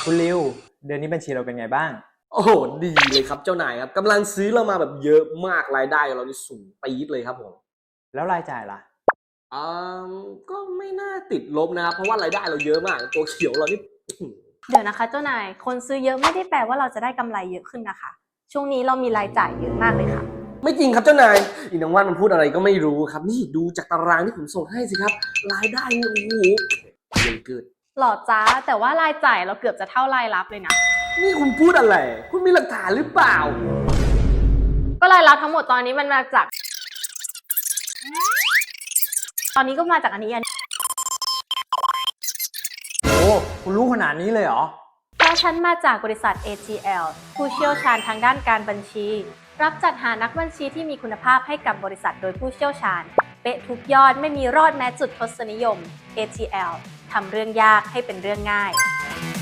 คุณริวเดือนนี้บัญชีเราเป็นไงบ้างโอ้โหดีเลยครับเจ้านายครับกำลังซื้อเรามาแบบเยอะมากรายได้ของเรานี่สูงปี๊ดเลยครับผมแล้วรายจ่ายล่ะอ่ก็ไม่น่าติดลบนะครับเพราะว่ารายได้เราเยอะมากตัวเขียวเรานี่เดี๋ยวนะคะเจ้านายคนซื้อเยอะไม่ได้แปลว่าเราจะได้กำไรเยอะขึ้นนะคะช่วงนี้เรามีรายจ่ายเยอะมากเลยค่ะไม่จริงครับเจ้านายอีนางว่านมันพูดอะไรก็ไม่รู้ครับนี่ดูจากตารางที่ผมส่งให้สิครับรายได้เนี่ยโอ้โหเยอะเกินหล่อจ้าแต่ว่ารายจ่ายเราเกือบจะเท่ารายรับเลยนะนี่คุณพูดอะไรคุณมีหลักฐานหรือเปล่าก็รายรับทั้งหมดตอนนี้มันมาจากตอนนี้ก็มาจากอันนี้โอ้คุณรู้ขนาดนี้เลยเหรอเพราะฉันมาจากบริษัท ATL ผู้เชี่ยวชาญทางด้านการบัญชีรับจัดหานักบัญชีที่มีคุณภาพให้กับบริษัทโดยผู้เชี่ยวชาญเป๊ะทุกยอดไม่มีรอดแม้จุดทศนิยม ATL ทำเรื่องยากให้เป็นเรื่องง่าย